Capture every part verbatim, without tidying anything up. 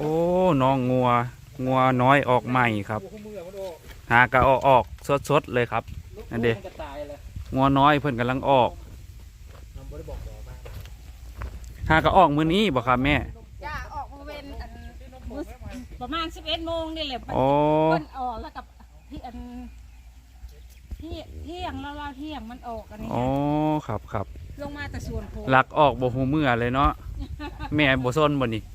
โอ้น้องงัวงัวน้อยออกใหม่ครับหากะออกออกสดๆเลยครับนั่นเด้งัวน้อยเพิ่นกำลังออกหากะออกมื้อนี้บ่ครับแม่จ้าออกมาเว้นอันประมาณสิบเอ็ดโมงนี่แหละโอ้เพิ่นออกแล้วกับที่อันที่เที่ยงแล้วเราเที่ยงมันออกอันนี้โอ้ครับครับลงมาแต่ส่วนโพลักออกบ่หูเมื่อเลยเนาะแม่บ่ซนบ่นี่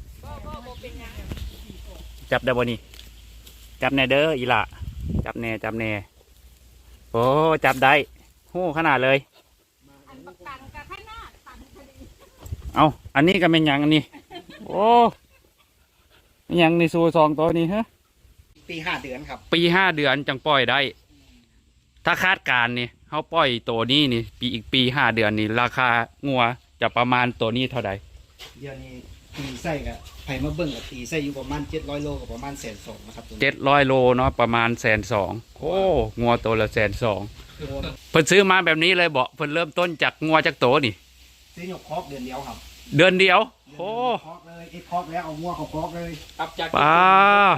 จับได้บ่นี่จับแน่เด้ออีหล่ะจับแน่จับแน่โอ้จับได้โหขนาดเลยอันปักตังกับข้างหน้าตังพอดีเอาอันนี้ก็เป็นหยังอันนี้โอ้เป็นหยังในซูซองตัวนี้ฮะปีห้าเดือนครับปีห้าเดือนจังปล่อยได้ถ้าคาดการนี่เขาปล่อยตัวนี้นี่ปีอีกปีห้าเดือนนี่ราคางัวจะประมาณตัวนี้เท่าใดเดี๋ยวนี้ตีไส้กับไผ่มาเบิ่งกับตีไส้อยู่ประมาณเจ็ดร้อยโลกับประมาณแสนสองนะครับเจ็ดร้อยโลเนาะประมาณแสนสองโอ้งัวตัวละแสนสองเพิ่นซื้อมาแบบนี้เลยบอกเพิ่นเริ่มต้นจากงัวจากโตนี่ซื้อหยกคอกเดือนเดียวครับเดือนเดียวโอ้คอกเลยไอ้คอกแล้วเอางัวเขาคอกเลยครับจากป้า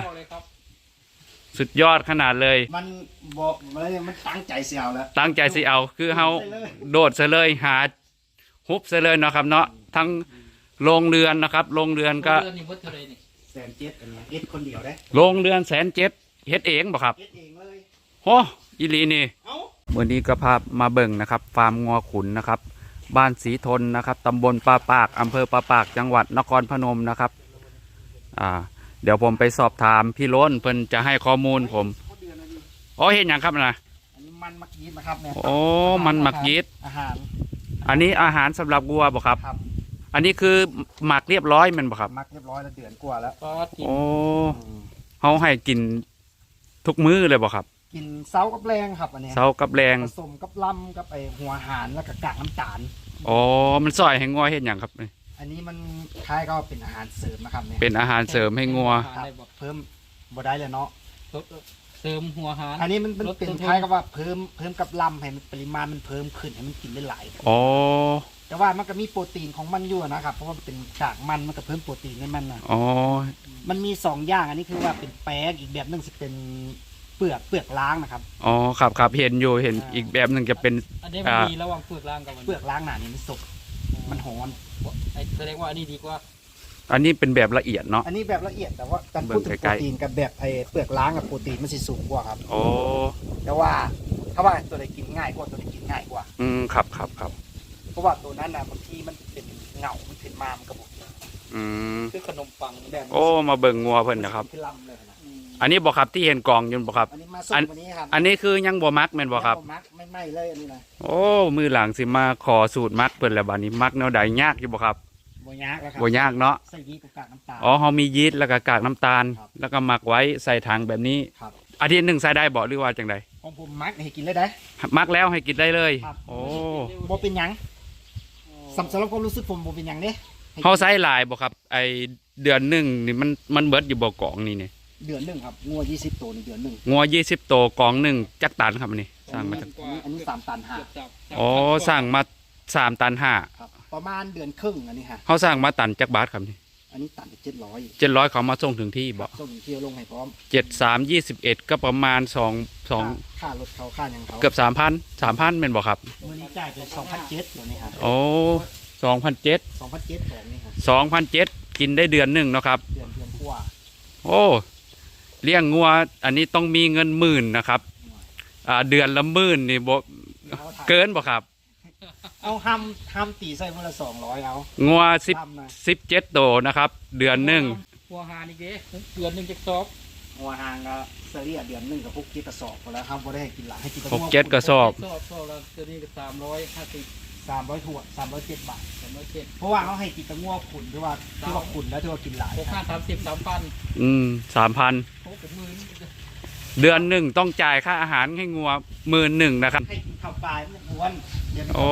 สุดยอดขนาดเลยมันบอกเลยมันตั้งใจเสียวแล้วตั้งใจสิเอาคือเฮาโดดซะเลยหาฮุบซะเลยเนาะครับเนาะทั้งโรงเรือนนะครับโรงเรือนก็แสนเจ็ดอันนี้เอ็ดคนเดียวได้โรงเรือนแสนเจ็ดเฮ็ดเองบ่ครับเฮ็ดเองเลยโหอีหลีนี่วันนี้ก็พามาเบิ่งนะครับฟาร์มงัวขุนนะครับบ้านสีทนนะครับตำบลปาปากอำเภอปาปากจังหวัดนครพนมนะครับอ่าเดี๋ยวผมไปสอบถามพี่ล้นเพิ่นจะให้ข้อมูลผมอ๋อเห็นอย่างครับนะอันนี้มันมักยีดนะครับเนี่ยโอ้มันมักยีดอาหารอันนี้อาหารสำหรับวัวบ่ครับอันนี้คือหมักเรียบร้อยมันบ่ครับหมักเรียบร้อยแล้วเดือนกว่าแล้วโอ้เขาให้กินทุกมื้อเลยบ่ครับกินเซากับแรงครับอันนี้เซากับแรงผสมกับลำกับไอหัวหารแล้วก็กากน้ำตาลอ๋อมันซอยให้งัวเห็นอย่างครับอันนี้มันคล้ายก็เป็นอาหารเสริมนะครับเนี่ยเป็นอาหารเสริมให้งัวเพิ่มบ่ได้เลยเนาะเสริมหัวหารอันนี้มันเป็นคล้ายกับว่าเพิ่มเพิ่มกับลำให้มันปริมาณมันเพิ่มขึ้นให้มันกินได้หลายอ๋อแต่ว่ามันก็มีโปรตีนของมันอยู่นะครับเพราะว่าเป็นกากมันมันก็เพิ่มโปรตีนให้มันนะอ๋อมันมีสองอย่างอันนี้คือว่าเป็นแป้งอีกแบบนึงจะเป็นเปลือกเปลือกล้างนะครับอ๋อครับครับเห็นอยู่เห็นอีกแบบหนึ่งจะเป็นอันนี้มันดีระหว่างเปลือกล้างกับเปลือกล้างหนานี่มันสุกมันหอมแสดงว่าอันนี้ดีกว่าอันนี้เป็นแบบละเอียดเนาะอันนี้แบบละเอียดแต่ว่าการพูดถึงโปรตีนกับแบบไอ้เปลือกล้างกับโปรตีนมันสิสูงกว่าครับโอ้แต่ว่าถ้าว่าตัวไหนกินง่ายกว่าตัวไหนกินง่ายกว่าอืมครับครับครับเพราะว่าตัวนั้นนะบางทีมันเป็นเงามันขึ้นมามันกระบอกอืมคือขนมปังแบบโอ้มาเบิ่งงัวเพิ่นนะครับอันนี้บอกครับที่เห็นกองอยู่บอกครับอันนี้มาส่งวันนี้ครับอันนี้คือยังบ่มักแม่นบ่ครับมักไม่ไหม้เลยอันนี้นะโอ้มือหลังสิมาขอสูตรมักเพิ่นแล้วบัดนี้มักแนวใดยากอยู่บ่ครับบ่ยากแล้วครับบ่ยากเนาะใส่ยีสต์กับกากน้ำตาลอ๋อเฮามียีสต์แล้วก็กากน้ำตาลแล้วก็หมักไว้ใส่ถังแบบนี้ครับอาทิตย์หนึ่งใส่ได้บ่หรือว่าจังไดของผมมักให้กินเลยได้มักแล้วให้กินได้เลยโอ้บ่เป็นหยังสำหรับความรู้สึกผมบ่เป็นหยังเด้เฮาใส่หลายบ่ครับไอเดือนหนึ่งนี่มันมันเบิดอยู่บ่กองนี่นี่เดือนหนึ่งครับงัวยี่สิบตัวในเดือนหนึ่งงัวยี่สิบตัวกองหนึ่งจักตันครับนี่สร้างมาจากอันนี้สามตันห้าอ๋อสร้างมาสามตันห้าประมาณเดือนครึ่งอันนี้ฮะเขาสร้างมาตันจักบาทครับนี่อันนี้ตันเจ็ดร้อยเจ็ดร้อยเขามาส่งถึงที่บ่ส่งถึงที่ลงให้พร้อมเจ็ดสามยี่สิบเอ็ดก็ประมาณสองสองค่ารถเขาค่ายังเขาเกือบสามพันสามพันเป็นบ่ครับมื้อนี้จ่ายไปสองพันเจ็ดตัวนี้ครับโอ้สองพันเจ็ดสองพันเจ็ดของนี่ครับสองพันเจ็ดกินได้เดือนหนึ่งเนาะครับเดือนเดือนกว่าโอ้เลี้ยงงัวอันนี้ต้องมีเงินหมื่นนะครับอ่าเดือนละหมื่นนี่บ่เกินบ่ครับเอาห้ามห้ามตีใส่มื้อละสองร้อยเอางัวสิบสิบเจ็ดตัวนะครับเดือนหนึ่งหัวหางนี่เด้เดือนหนึ่งจะสอบหัวหางก็เสรียเดือนหนึ่งกับพวกเจ็ดกระสอบพอแล้วครับบ่ได้ให้กินหลายให้กินหกเจ็ดกระสอบสอบสอบแล้วตัวนี้ก็สามร้อยห้าสิบสามร้อยถั่วสามร้อยเจ็ดบาทสามร้อยเจ็ดเพราะว่าเขาให้กินตะงัวขุนที่ว่าที่ว่าขุนแล้วที่ว่ากินหลายหกห้าสามสิบสามพันอืมสามพันเดือนหนึ่งต้องจ่ายค่าอาหารให้งัวหมื่นหนึ่งนะครับให้กินข้าวปลายมันอ้วนเดี๋ยวโอ้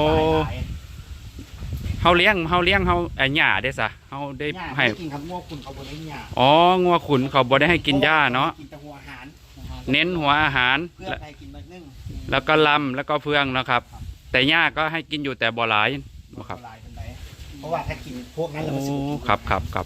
เขาเลี้ยงเขาเลี้ยงเขาไอ้หญ้าได้ซะเขาได้ให้กินครับงัวขุนเขาบ่ได้หญ้าอ๋องัวขุนเขาบ่ได้ให้กินหญ้าเนาะกินแต่หัวอาหารเน้นหัวอาหารเพื่อให้กินแบบนึงแล้วก็ลำแล้วก็เฟืองนะครับแต่หญ้าก็ให้กินอยู่แต่บ่หลายนะครับเพราะว่าถ้ากินพวกนั้นเราไม่สูบครับครับครับ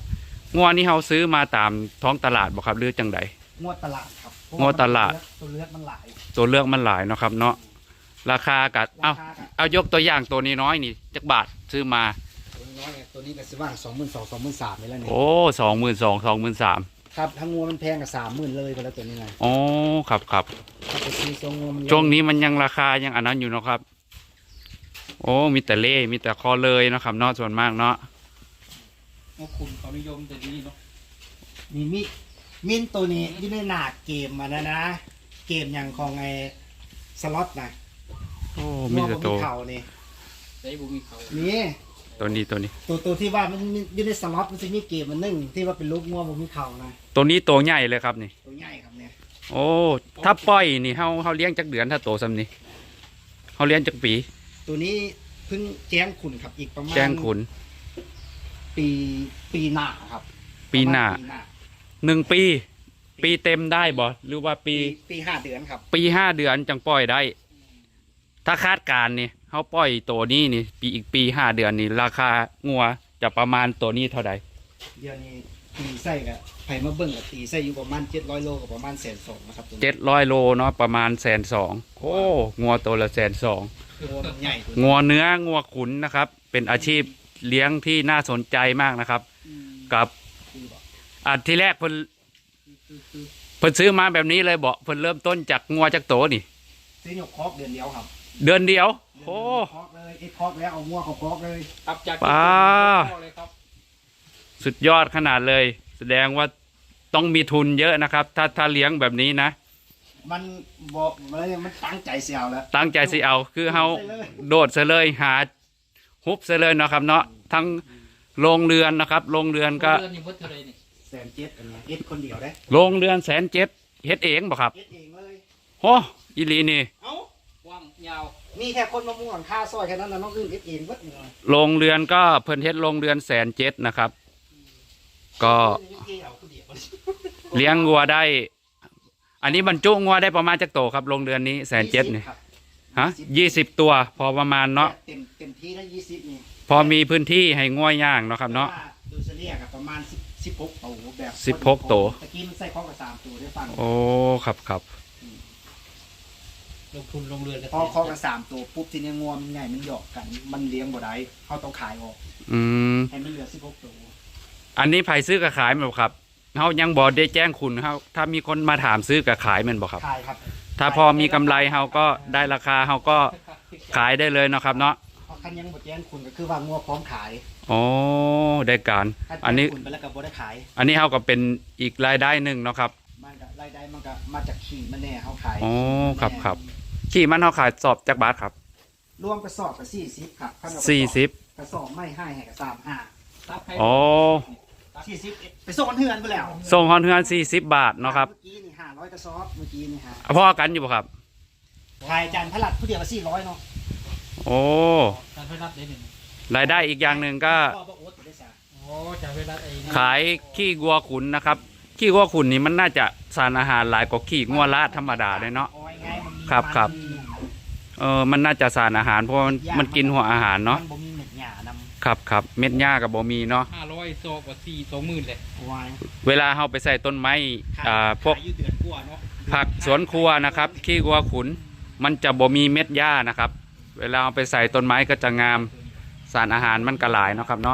งัวนี่เฮาซื้อมาตามท้องตลาดบ่ครับหรือจังใดงวดตลาดครับงวดตลาดตัวเลือกมันหลายตัวเลือกมันหลายเนาะครับเนาะราคากัดเอ้าราคาก็เอายกตัวอย่างตัวนี้น้อยนี่จักบาทซื้อมาตัวน้อยตัวนี้ก็สิว่างสองหมื่นสองสองหมื่นสามนี่แหละเนี่ยโอ้สองหมื่นสองสองหมื่นสามครับทั้งงัวมันแพงกับสามหมื่นเลยไปแล้วตัวนี้ไงโอ้ครับครับถ้าไปซื้อทรงงัวมันช่วงนี้มันยังราคายังอันนั้นอยู่เนาะครับ โอ้มีแต่เล่มีแต่คอเลยเนาะครับเนาะส่วนมากเนาะงอขุนเขานิยมแต่นี้เนาะนี่มิมินตัวนี้อยี่ในหนาเกมมันนะนะ เกมอย่างของไอ้สล็อตนะโอ้มีแต่งัตัวบ่เข่านี่ได้บุมีเขานี่ตัวนี้ตัวนี้ตัวตัวที่ว่ามันอยู่ในสล็อตมันจะมีเกมมันหนึ่งที่ว่าเป็นลูกงัวบ่มีเข่านะตัวนี้ตัวใหญ่เลยครับนี่ตัวใหญ่ครับเนี่ยโอ้ถ้าปล่อยนี่เฮาเฮาเลี้ยงจักเดือนถ้าโตซำนี้เฮาเลี้ยงจักปีตัวนี้เพิ่งแจ้งขุนครับอีกประมาณแจ้งขุนปีปีหน้าครับปีหน้าประมณหนึ่งปี ปีเต็มได้บ่หรือว่าปีปีปีห้าเดือนครับปีห้าเดือนจังปล่อยได้ ถ้าคาดการณ์นี่เขาปล่อยตัวนี้นี่ ปีอีกปีห้าเดือนนี่ราคางัวจะประมาณตัวนี้เท่าใดเดี๋ยวนี้ตีไส้กับไผ่มาเบิ่งกับตีไส้อยู่ประมาณเจ็ดร้อยโลกับประมาณแสนสองนะครับตัวนี้เจ็ดร้อยโลเนาะประมาณแสนสองโอ้งัวตัวละแสนสองตัวมันใหญ่ตัวงัวเนื้องัวขุนนะครับ เป็นอาชีพเลี้ยงที่น่าสนใจมากนะครับ กับอันที่แรกเพิ่นเพิ่นซื้อมาแบบนี้เลยบอกเพิ่นเริ่มต้นจากงัวจากโตนี่ซื้อหยกคอกเดือนเดียวครับเดือนเดียว โอ้คอกเลยไอ้คอกแล้วเอางัวเขาคอกเลยตับจากป้าเลยครับสุดยอดขนาดเลย แสดงว่าต้องมีทุนเยอะนะครับ ถ้าถ้าเลี้ยงแบบนี้นะมันบอกอะไรมันตั้งใจเสียวแล้วตั้งใจสิเอาคือเฮาโดดซะเลยหาฮุบซะเลยเนาะครับเนาะทั้งโรงเรือนนะครับโรงเรือนก็เดือนนี้วัดเท่าไรนี่แสนเจ็ดอันเนี้ยเอ็ดคนเดียวได้โรงเรือนแสนเจ็ดเฮ็ดเองบ่ครับเอ็ดเองเลยโอ้อีหลีนี่เอ้าว่างยาวมีแค่คนมาม่วงค่าซอยแค่นั้นนะน้องอื่นเอ็ดเองวัดเลยโรงเรือนก็เพิ่นเฮ็ดโรงเรือนแสนเจ็ดนะครับ ก็เอาคนเดียวเลี้ยงงัวได้ อันนี้บรรจุงัวได้ประมาณจักโตครับโรงเรือนนี้แสนเจ็ดนี่ครับฮะยี่สิบตัวพอประมาณเนาะเต็มเต็มที่ได้ยี่สิบนี่พอมีพื้นที่ให้งัวย่างเนาะครับเนาะแต่ว่ดูเฉลี่ยกับประมาณสิบหกตัวแบบสิบหกตัวตะกี้มันใส่ข้อกับสามตัวได้ฟังโอ้ครับครับลงทุนลงเรือนกันพอข้อกับสามตัวปุ๊บทีนี้งวมันใหญ่มันหยอกกัน มันเลี้ยงบ่ได้เขาต้องขายออกอืมให้มันเหลือสิบหกตัวอันนี้ไผซื้อกับขายแม่นบ่ครับเฮายังบ่ได้แจ้งคุณเฮาถ้ามีคนมาถามซื้อกับขายแม่นบ่ครับขายครับถ้าพอมีกำไรเฮาก็ได้ราคาเฮาก็ขายได้เลยเนาะครับเนาะเพราะคันยังบ่แจ้งคุณก็คือว่างัวพร้อมขายโอ้ได้การคันอันนี้แจ้งคุณไปแล้วก็บ่ได้ขายอันนี้เฮาก็เป็นอีกรายได้หนึ่งเนาะครับมันก็รายได้มันก็มาจากขี่มันแน่เขาขายโอ้ครับครับขี่มันเฮาขายสอบจักบาทครับรวมกระสอบกับสี่สิบครับคันเอากระอบสี่สิบกระสอบไม่ให้ให้กับสามห้าตับให้โอ้สี่สิบไปส่งกันเทือนไปแล้วส่งฮอนเฮือนสี่สิบบาทเนาะครับเมื่อกี้นี่ห้าร้อยกระสอบเมื่อกี้นี่ฮะพ่อกันอยู่บ่ครับขายจานพลัดผู้เดียวละสี่ร้อยเนาะโอ้การไฟรัดได้หนึ่งรายได้อีกอย่างหนึ่งก็พ่อบอกโอ๊ตได้สาโอ้จากไฟรัดไอ้นี่ขายขี้วัวขุนนะครับ ขี้วัวขุนนี่มันน่าจะสารอาหารหลายกว่าขี้งัวลาดธรรมดาเลยเนาะเอาไงมันมีครับครับ เออมันน่าจะสารอาหารเพราะมันมันกินหัวอาหารเนาะมันบ่มีเม็ดหญ้านำครับครับเม็ดหญ้ากับบ่มีเนาะห้าร้อยโซกว่าสี่สองหมื่นเลยวายเวลาเฮาไปใส่ต้นไม้อ่าพวกขายอยู่เดือนกว่าเนาะผักสวนครัวนะครับขี้วัวขุน มันจะบ่มีเม็ดหญ้านะครับ เวลาเอาไปใส่ต้นไม้ก็จะงามสารอาหารมันก็หลายเนาะครับเนาะ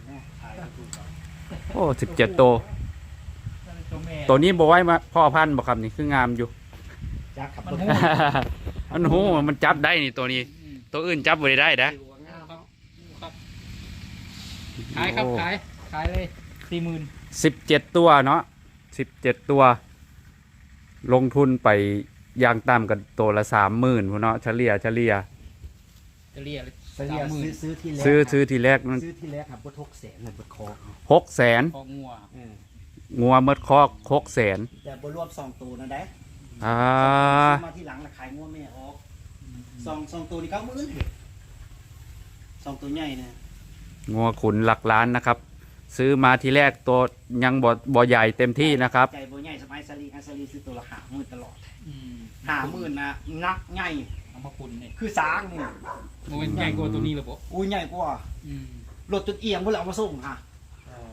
โอ้สิบเจ็ดตัวตัวนี้บ่ไว้มาพ่อพันธุ์บ่ครับนี่คืองามอยู่จักขับมันรถหูมันโหมันจับได้นี่ตัวนี้ ตัวอื่นจับบ่ได้นะครับครับขายครับขายขายเลยสี่หมื่นสิบเจ็ดตัวเนาะสิบเจ็ดตัว ลงทุนไปอย่างต่ำกันตัวละสามหมื่นเนาะเฉลี่ยเฉลี่ยจะเรียกไปเรียกซื้อซื้อที่แรกซื้อซื้อทีแรกมันซื้อที่แรกครับบดหกแสนเลยบดคอหกแสนของงัวเอองัวเมดคอกหกแสนแต่บรวมสองตัวนะได้อ่าซื้อมาที่หลังละขายงัวแม่ออกสองสองตัวนี่เก้าหมื่นสองตัวใหญ่เนี่ยงัวขุนหลักล้านนะครับ ซื้อมาทีแรกตัวยังบ่บ่ใหญ่เต็มที่นะครับใจบ่ใหญ่สมัยสลีอัสลีซื้อตัวละห้าหมื่นตลอดอืมห้าหมื่นนะนักใหญ่เอามาคุณเนี่ยคือสางนี่โมเป็นใหญ่กว่าตัวนี้เลยปะอุ้ยใหญ่กว่าอืมรถจนเอียงเพื่อเอามาส่งค่ะอ๋อ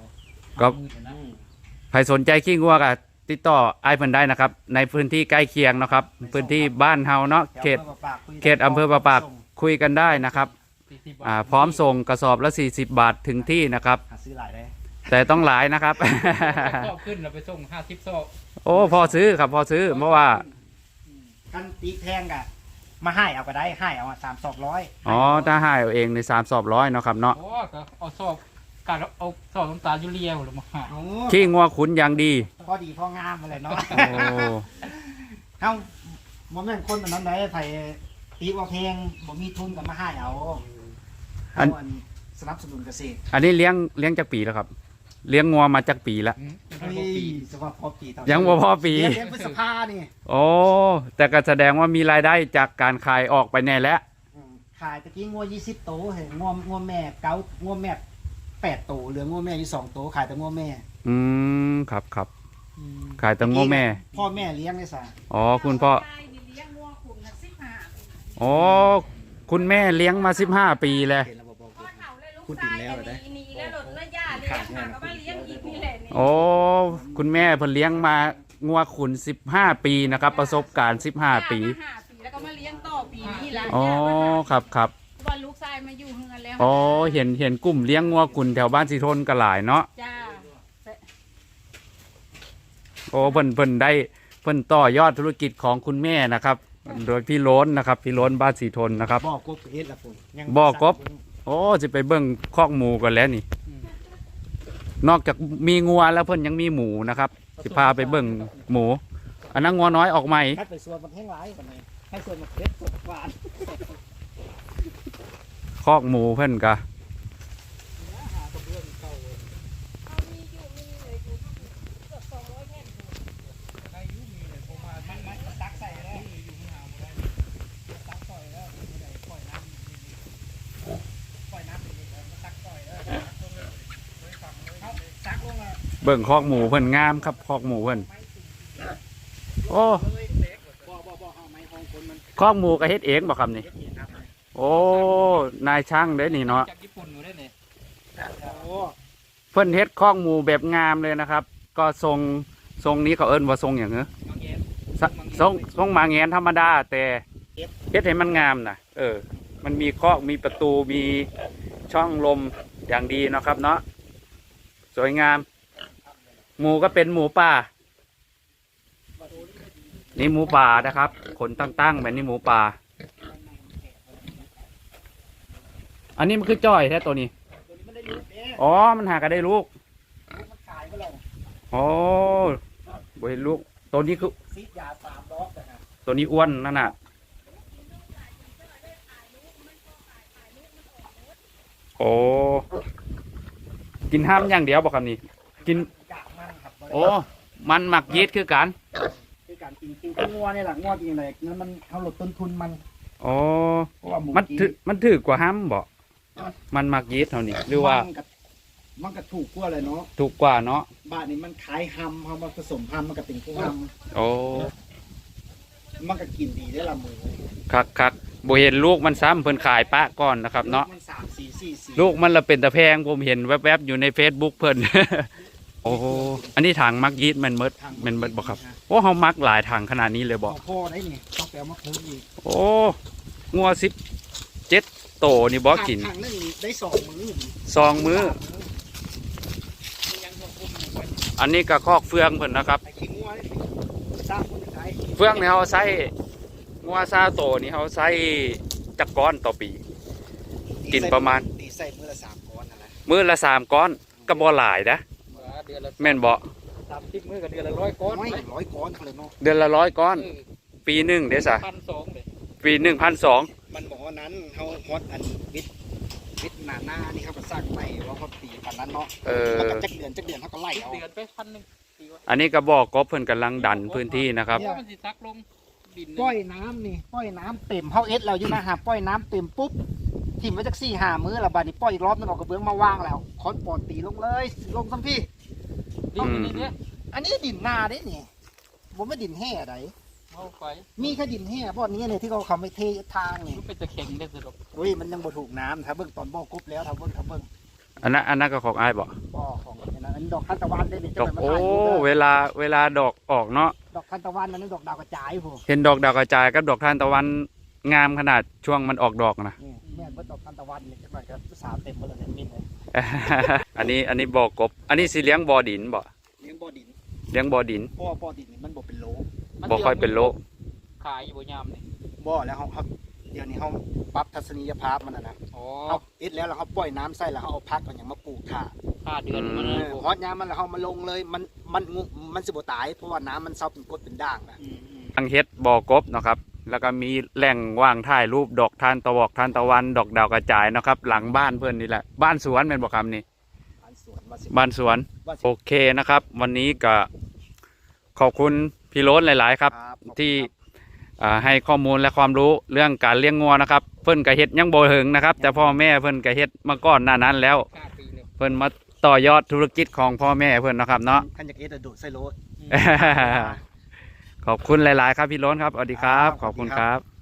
ก็ใครสนใจขี้งัวก็ติดต่อไอ้เพิ่นได้นะครับ ในพื้นที่ใกล้เคียงนะครับ พื้นที่บ้านเฮาเนาะเขตเขตอำเภอปะปากคุยกันได้นะครับอ่าพร้อมส่งกระสอบละสี่สิบบาทถึงที่นะครับหาซื้อหลายได้แต่ต้องหลายนะครับชอบขึ้นเราไปส่งห้าสิบซอกโอ้พอซื้อครับพอซื้อเพราะว่ากันตีแพงกะมาให้เอาก็ได้ให้เอาสามสองร้อยอ๋อถ้าให้เอาเองในสามสอบร้อยเนาะครับเนาะโอ้ก็เอาซอกการเอาซอกน้ำตาลยูเรียหรือมาหาโอ้ขี้งัวขุนอย่างดีพอดีพองามมาเลยเนาะโอ้เอ้าบ่แม่นคนแบบนั้นได้ไผตีว่าเพลงบ่มีทุนก็มาให้เอาเอาอันสนับสนุนเกษตรอันนี้เลี้ยงเลี้ยงจากปีแล้วครับ เลี้ยงงัวมาจากปีแล้วอืมเฮ้ยสภาพพอปีเท่ายังบ่พอปีเดือนพฤษภานี่โอ้แต่ก็แสดงว่ามีรายได้จากการขายออกไปแน่แล้วอืมขายตะกี้งัวยี่สิบโตเห็นงัวงัวแม่เก้างัวแม่แปดโตเหลืองัวแม่อยู่สองโตขายแต่งัวแม่อืมครับครับขายแต่งัวแม่พ่อแม่เลี้ยงได้ซะอ๋อคุณพ่อได้นี่เลี้ยงงัวขุนน่ะสิบห้าปีอ๋อคุณแม่เลี้ยงมาสิบห้าปีแล้วเห็นแล้วบ่บอกพ่อเฒ่าเลยลูกพูดถึชาง ยแล้วอันเหรอนี้นี่แล้วหลดแล้วย่าเลี้ยงมาก็มาเลี้ยงอีกนี่แหละนี่โอ้คุณแม่เพิ่นเลี้ยงมางัวขุนสิบห้าปีนะครับ ประสบการณ์สิบห้าปีย่มห้าปีแล้วก็มาเลี้ยงต่อปีนี้ละอ๋อครับครับว่าลูกชายมาอยู่เฮือนแล้วอ๋อเห็นเห็นกลุ่มเลี้ยงงัวขุนแถวบ้านสีทนก็หลายเนาะจ้าโอ้เพิ่นเพิ่นได้เพิ่นต่อยอดธุรกิจของคุณแม่นะครับ โดยพี่โล้นนะครับพี่โล้นบ้านสีทนนะครับบอกกบเอ็ดละพุ่นยังบอกกบ โอ้จะไปเบิ่งคอกหมูกันแล้วนี่ นอกจากมีงัวแล้วเพิ่นยังมีหมูนะครับสิพาไปเบิ่งหมู อันนั้นงัวน้อยออกใหม่คัดไปส่วนมันแห้งหลายกว่านี้ให้ส่วนมันเผ็ดสดหวานคอกหมูเพิ่นกะตักใส่แล้วตักปล่อยแล้วปล่อยน้ำปล่อยน้ำดีๆมันตักปล่อยแล้วเอาตักลงอ่ะเบิ่งคอกหมูเพิ่นงามครับคอกหมูเพิ่นโอ้บ่บ่บ่เอาไม้ห้องคนมันคอกหมูก็เฮ็ดเองบ่ครับนี่เฮ็ดเองครับโอ้นายช่างเด้นี่เนาะจากญี่ปุ่นอยู่ได้เนี่ยโอ้เพิ่นเฮ็ดคอกหมูแบบงามเลยนะครับ ก็ทรงทรงนี้เขาเอิ้นว่าทรงอย่างเงี้ยบางแยมสทรงทรงหมาแงนธรรมดาแต่เฮ็ดให้มันงามนะเออ มันมีคอกมีประตูมีช่องลมอย่างดีเนาะครับเนาะสวยงาม หมูก็เป็นหมูป่า นี่หมูป่านะครับขนตั้งๆแบบนี้หมูป่า อันนี้มันคือจ้อยแท้ตัวนี้ตัวนี้มันได้ลูกเด้อ๋อ มันหากันได้ลูกลูกมันขายไปแล้วอ๋อบ่เห็นลูก ตัวนี้คือซีดยาสามดอกนะฮะตัวนี้อ้วนนั่นน่ะ โอ้ กินห้ามอย่างเดียวบอกคำนี้ กินกากมันครับโอ้ มันหมักยีสต์คือกันคือการกินกินข้าวงัวนี่แหละงัวกินอะไรงั้นมันเขาลดต้นทุนมันโอ้เพราะว่าหมูมันกิถือมันถือกว่าห้ามบ่มันหมักยีสต์เท่านี้ หรือว่านก็มันก็ถูกกว่าเลยเนาะถูกกว่าเนาะบ้านนี้มันขายฮัมเขามาผสมฮัมมันก็เป็นกุ้งฮัมโอ้มันก็กินดีได้อละหมูคักคักบ่เห็นลูกมันซ้ำเพิ่นขายปะก่อนนะครับเนาะมันสามสี่สี่สี่ลูกมันละเป็นตะแพงผมเห็นแวบๆอยู่ใน Facebook เพิ่น โอ้อันนี้ถังมักยีสต์แมันเมดแมันเมดบ่ครับ โอ้เฮามักหลายถังขนาดนี้เลยบ่บอกพ่อได้นี่ต้องไปเอามาคูอีกโอ้งัวสิบเจ็ดโตนี่บ่กินถังนึงได้สองมื้อซองมื้อ อันนี้ก็คอกเฟืองเพิ่นนะครับไอ้ขี้งัวนี่สร้างคนขายเฟืองนี่เฮาใช้งัวซาโตนี่เฮาใช้จักก้อนต่อปี กินประมาณตีใส่มื้อละสามก้อนนั่นแหละมื้อละสามก้อนก็บ่หลายนะเดือนละแม่นบ่สามสิบมื้อกับเดือนละร้อยก้อนไม่ร้อยก้อนเขาเลยเนาะเดือนละร้อยก้อน ปีหนึงเด้ซะพันสองเลยปีหนึ่งพันสองมันบอกว่านั้นเขาฮอตอันวิทย์วิทย์หนาหน้านี่เขาก็สร้างใหม่ว่าเขาตีกันนั้นเนาะเออแล้วก็จักเดือนจักเดือนเขาก็ไล่เอาเดือนไปพันหนึ่งปีวะอันนี้ก็บอกกบเพิ่นกำลังดันพื้นที่นะครับเพราะมันสิซักลงดินปล่อยน้ำนี่ปล่อยน้ำเต็มเขาเอสเราอยู่นะฮะปล่อยน้ำเต็มปุ๊บถิ่มไว้จักสี่ห้ามื้อและบาดนี้ปล่อยอีกรอบนึงเออกกระเบื้องมาวางแล้วคอนปอนตีลงเลยลงซัมพี่ดินอยู่นี่เนี่ยอันนี้ดินนาเด้นี่ผมไม่ดินแห่ใดเอาไปมีแค่ดินแห่พวกนี้เนี่ยที่เขาเขาไม่เททางนี่มันเป็นตะเข็งได้สะดวกเฮ้ยมันยังบ่ถูกน้ำถ้าเบิ่งตอนบ่อกรุ๊บแล้วถ้าเบิ่งถ้าเบิ่งอันนั้นอันนั้นก็ของอ้ายบ่บ่อของอันนั้นนดอกทานตะวันได้นี่ดจะอกไปมาโอ้ถ่ายรูปเด้อเวลาเวลาดอกออกเนาะดอกทานตะวันนั่นดอกดาวกระจายผมเห็นดอกดาวกระจายกับดอกทานตะวันงามขนาดช่วงมันออกดอกนะนี่แม่นว่าดอกทานตะวันนี่จังหน่อยก็สาวเต็มหมดเลยมินเลยอันนี้อันนี้บ่อกบ อันนี้สิเลี้ยงบ่อดินบ่เลี้ยงบ่อดินเลี้ยงบ่อดินเพราะว่าบ่อดินนี่มันบ่เป็นโลบ่ค่อยเป็นโลขายอยู่บ่ยามนี่บ่อแล้วเขาเขาเดี๋ยวนี้เขาปรับทัศนียภาพมันนะนะอ๋อเขาเอ็ดแล้วแล้วเขาปล่อยน้ำใส่แล้วเขาเอาพักเอาอย่างมาปลูกถ่าค่าเดือนมันเอเลยอฮอดยามมันแล้วเขามาลงเลยมันมันงูมันสิบ่ตายเพราะว่าน้ำมันเซาเป็นกรดเป็นด่างนะอืมอืมทางเฮ็ดบ่อกบเนาะครับ แล้วก็มีแหล่งว่างถ่ายรูปดอกทานตะวอกทานตะวัน ดอกดาวกระจายเนาะครับ หลังบ้านเพื่อนนี่แหละ บ้านสวนแม่นบ่ครับนี่บ้านสวนว่าสิบ้านสวนว่าสิโอเคนะครับ วันนี้ก็ขอบคุณพี่โรสหลาย ๆ ครับครับขอบคุณที่ครับอ่าให้ข้อมูลและความรู้เรื่องการเลี้ยงงัวนะครับ เพิ่นก็เฮ็ดยังบ่ถึงนะครับ แต่พ่อแม่เพิ่นก็เฮ็ดมาก่อนหน้านั้นแล้วค่าปีเลยเพิ่นมาต่อยอดธุรกิจของพ่อแม่เพิ่นนะครับเนาะขันอยากเอ็ดอะโดดใส่รถขอบคุณหลาย ๆ ครับพี่โรสครับสวัสดีครับ ขอบคุณครับ